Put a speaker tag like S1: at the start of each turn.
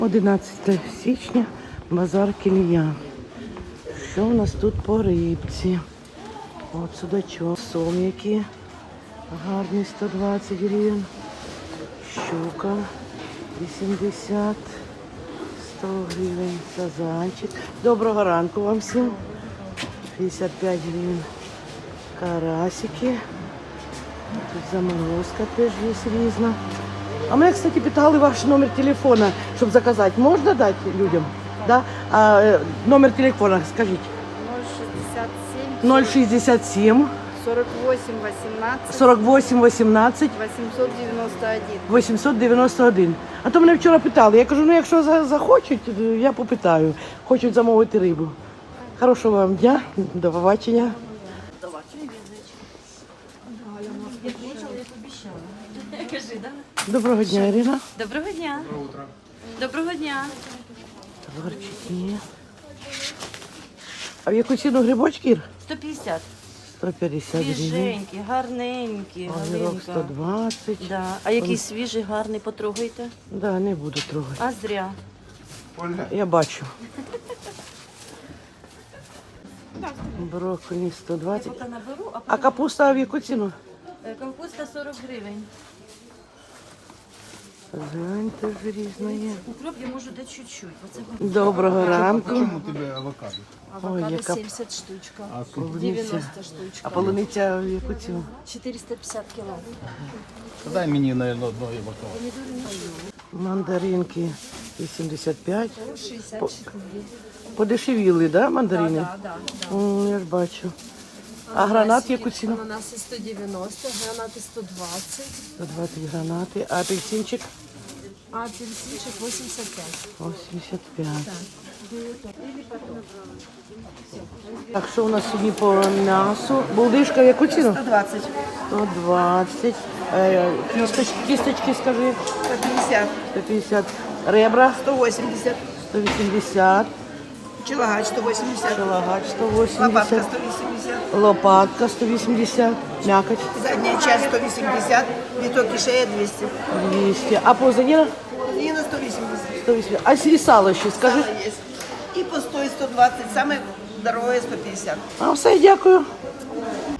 S1: 11 січня, базар Кілія. Що у нас тут по рибці? От судачок, сом які гарний, 120 гривень. Щука 80, 100 гривень, сазанчик. Доброго ранку вам всім. 55 гривень. Карасики. Тут заморозка теж є різна. А мене, кстати, питали ваш номер телефона, щоб заказати. Можна дати людям? Да? Номер телефона, скажіть. 067
S2: 48 18
S1: 48 18
S2: 891.
S1: 891. А то мене вчора питали. Я кажу, ну якщо захочуть, я попитаю. Хочуть замовити рибу. Хорошого вам дня, до побачення. Доброго дня, Ірина.
S3: Доброго дня. Доброго дня.
S1: Товарчики. А в яку ціну грибочки, Ір?
S3: 150.
S1: 150 гривень.
S3: Свіженькі, гарненькі.
S1: Огірок
S3: Галинка.
S1: 120.
S3: Да. А який свіжий, гарний, потрогайте.
S1: Да, не буду трогати.
S3: А зря.
S1: Я бачу. Брокколі 120.
S3: Поки наберу,
S1: А капуста в яку ціну?
S3: капуста 40 гривень.
S1: Глянь, теж різна є.
S3: Укроп я можу дати чуть-чуть. Оце
S1: Доброго ранку.
S4: Почему у тебя авокадо?
S1: Ой,
S3: авокадо
S1: яка
S3: 70 штучка.
S4: А сколько?
S3: 90 штучка.
S1: А полуниця в яку ціну?
S3: 450 кіло.
S4: Дай мне, наверное, одно авокадо.
S1: Мандаринки 85.
S3: 64.
S1: Подешевіли, да, мандарини?
S3: Да.
S1: Я ж бачу. А гранат в яку ціну?
S3: Ананаси 190, гранати 120,
S1: 120 гранати. А апельсинчик?
S3: а апельсинчик 85.
S1: 85. Так, що у нас сьогодні по м'ясу? Булдишка в яку ціну?
S2: 120.
S1: 120. Кісточки, скажи.
S2: 150.
S1: 150. Ребра
S2: 180.
S1: 180.
S2: Челагач 180.
S1: Шалагач
S2: Лопатка
S1: 180.
S2: 180.
S1: Лопатка 180. Мякоть
S2: Задняя часть 180. Виток и шея 200.
S1: 200. А позаніна?
S2: Нина 180.
S1: 180. А сало ще, скажи.
S2: Сало есть. И пустой 120. Самое дорогое 150.
S1: А все, дякую.